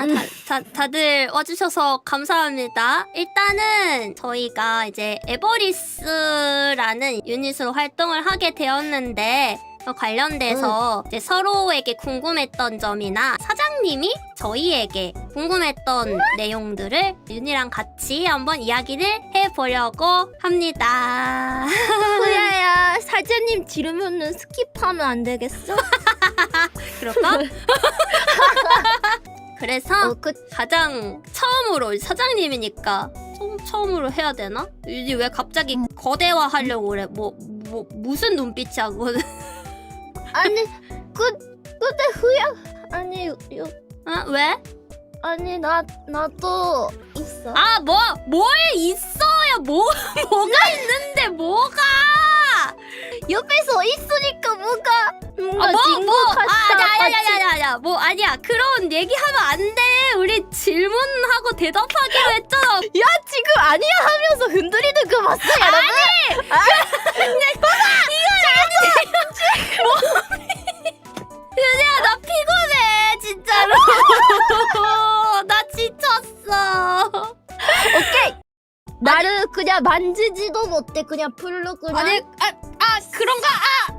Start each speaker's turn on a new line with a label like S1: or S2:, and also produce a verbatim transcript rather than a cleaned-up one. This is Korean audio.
S1: 다, 다, 다들 와주셔서 감사합니다. 일단은 저희가 이제 에버리스라는 유닛으로 활동을 하게 되었는데 그 관련돼서 이제 서로에게 궁금했던 점이나 사장님이 저희에게 궁금했던 내용들을 윤이랑 같이 한번 이야기를 해보려고 합니다.
S2: 후야야, 사장님 지르면은 스킵하면 안 되겠어?
S1: 그럴까? 그래서
S2: 어, 그
S1: 가장 처음으로 사장님이니까 처음, 처음으로 해야 되나? 윤이 왜 갑자기 거대화 하려고 그래? 뭐, 뭐 무슨 눈빛이야 그거는?
S2: 아니 그 근데 후야 아니 요
S1: 아 왜?
S2: 아니 나 나도 있어.
S1: 아 뭐 뭘 있어요? 뭐 뭐가 있는데 뭐가?
S2: 옆에서 있으니까 뭐가 뭔가
S1: 아, 뭐,
S2: 진것
S1: 뭐,
S2: 같다.
S1: 아, 아니야, 아니야,
S2: 같이.
S1: 아니야, 아니야, 아니야, 뭐, 아니야. 그런 얘기하면 안 돼. 우리 질문하고 대답하기로 했잖아.
S2: 야 지금 아니야 하면서 흔들리는 거 봤어 여러분?
S1: 윤희야, 나 피곤해, 진짜로. 나 지쳤어.
S2: 오케이. 나를 그냥 만지지도 못해 그냥 풀로 그냥.
S1: 아니, 아, 아, 그런가? 아,